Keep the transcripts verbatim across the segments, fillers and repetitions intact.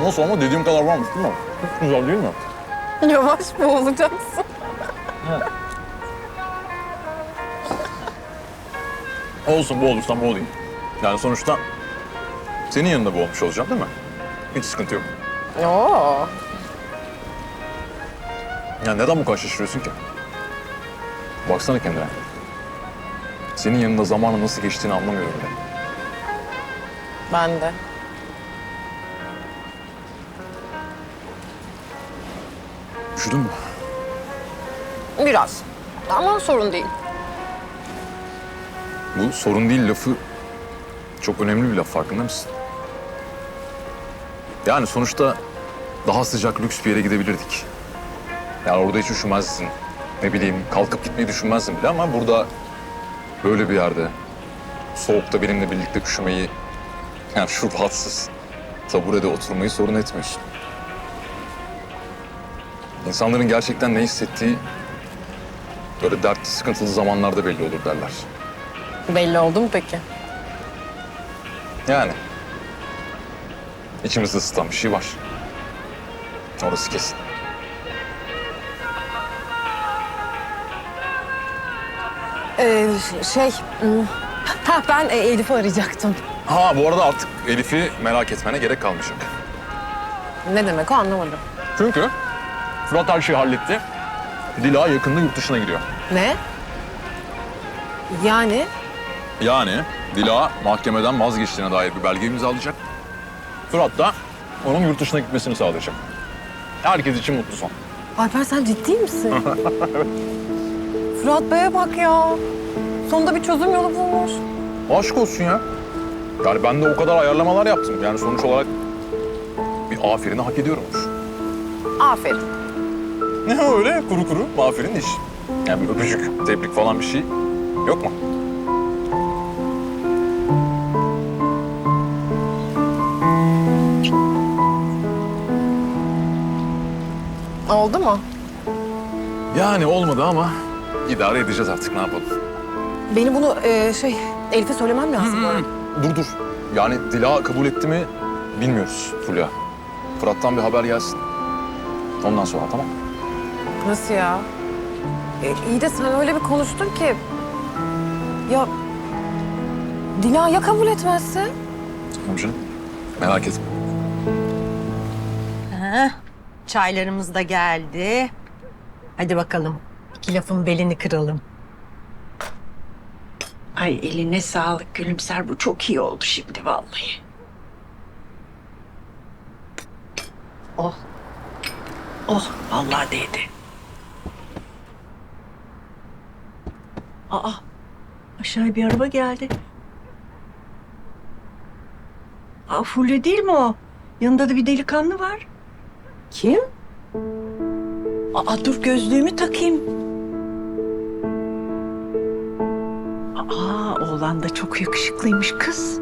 Nasıl ama dediğim kadar varmış değil mi? Çok güzel değil mi? Yavaş boğulacaksın. Olsun, boğulursam boğulayım. Yani sonuçta senin yanında boğulmuş olacağım değil mi? Hiç sıkıntı yok. Oo. Ya neden bu kadar şaşırıyorsun ki? Baksana kendine. Senin yanında zamanın nasıl geçtiğini anlamıyorum bile. Ben de. Üşüdün mü? Biraz. Ama sorun değil. Bu sorun değil lafı çok önemli bir laf, farkında mısın? Yani sonuçta daha sıcak, lüks bir yere gidebilirdik. Yani orada hiç üşümezsin. Ne bileyim, kalkıp gitmeyi düşünmezdin bile ama burada böyle bir yerde soğukta benimle birlikte üşümeyi, yani şu rahatsız taburede oturmayı sorun etmiyorsun. İnsanların gerçekten ne hissettiği böyle dertli, sıkıntılı zamanlarda belli olur derler. Belli oldu mu peki? Yani içimizde ısıtan bir şey var. Orası kesin. Ee, şey... hmm, Ha ben e, Elif'i arayacaktım. Ha bu arada artık Elif'i merak etmene gerek kalmayacak. Ne demek o anlamadım. Çünkü Fırat her şeyi halletti. Dila yakında yurt dışına gidiyor. Ne? Yani Yani Dila mahkemeden vazgeçtiğine dair bir belge imzalayacak. Fırat da onun yurt dışına gitmesini sağlayacak. Herkes için mutlu son. Alper sen ciddi misin? Fırat Bey'e bak ya. Sonunda bir çözüm yolu bulmuş. Aşk olsun ya. Yani ben de o kadar ayarlamalar yaptım. Yani sonuç olarak bir aferini hak ediyorummuş. Aferin. Ne öyle kuru kuru aferin iş. Yani bir öpücük, tebrik falan bir şey yok mu? Oldu mu? Yani olmadı ama idare edeceğiz artık, ne yapalım. Benim bunu e, şey Elif'e söylemem lazım. Dur dur. Yani Dila kabul etti mi bilmiyoruz Fulya. Fırat'tan bir haber gelsin. Ondan sonra tamam. Nasıl ya? E, iyi de sen öyle bir konuştun ki... Ya... Dila ya kabul etmezse? Tamam canım. Merak etme. Ha, çaylarımız da geldi. Hadi bakalım. İki lafın belini kıralım. Ay eline sağlık Gülümser. Bu çok iyi oldu şimdi vallahi. Oh. Oh vallahi değdi. Aa aşağıya bir araba geldi. Aa Fulya değil mi o? Yanında da bir delikanlı var. Kim? Aa dur gözlüğümü takayım. Aa oğlan da çok yakışıklıymış kız.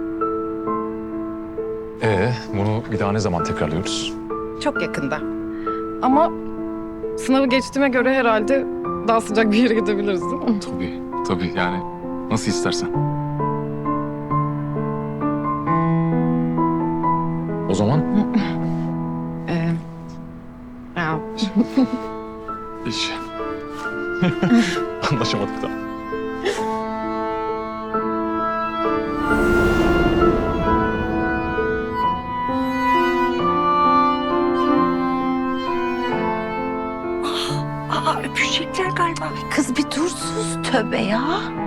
Ee, bunu bir daha ne zaman tekrarlıyoruz? Çok yakında. Ama sınavı geçtiğime göre herhalde daha sıcak bir yere gidebiliriz değil mi? Tabii, tabii yani nasıl istersen. O zaman Ee, ya, iş. Anlaşamadık da. Aa öpüşecekler galiba. Kız bir dur sus tövbe ya.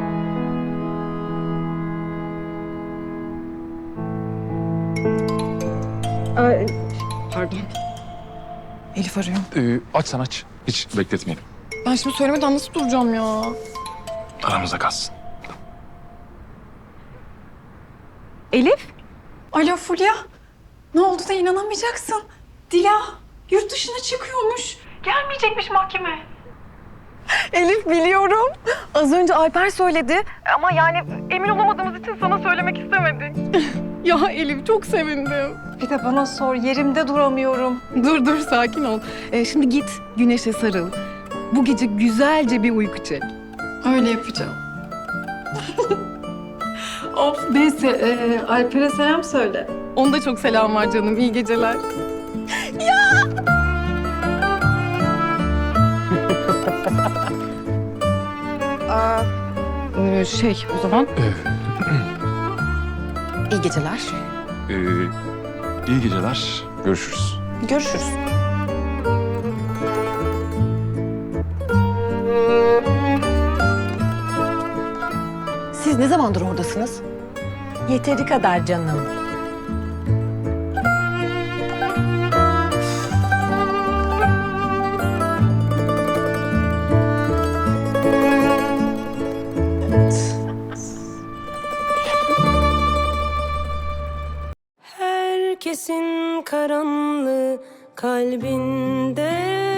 pardon. Elif arıyor. Ee, aç sen aç. Hiç bekletmeyelim. Ben şimdi söylemeden nasıl duracağım ya? Aramızda kalsın. Elif? Alo Fulya. Ne oldu da inanamayacaksın. Dila yurt dışına çıkıyormuş. Gelmeyecekmiş mahkeme. Elif biliyorum. Az önce Alper söyledi. Ama yani emin olamadığımız için sana söylemek istemedik. Ya Elif çok sevindim. Bir de bana sor, yerimde duramıyorum. Dur dur sakin ol. Ee, şimdi git güneşe sarıl. Bu gece güzelce bir uyku çek. Öyle yapacağım. Of neyse, e, Alper'e selam söyle. Onda çok selam var canım. İyi geceler. Aa, e, şey o zaman. İyi geceler. Ee, iyi geceler. Görüşürüz. Görüşürüz. Siz ne zamandır oradasınız? Yeteri kadar canım. Herkesin karanlığı kalbinde,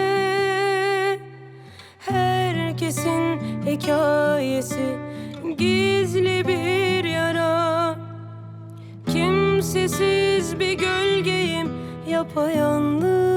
herkesin hikayesi gizli bir yara. Kimsesiz bir gölgeyim yapayalnız.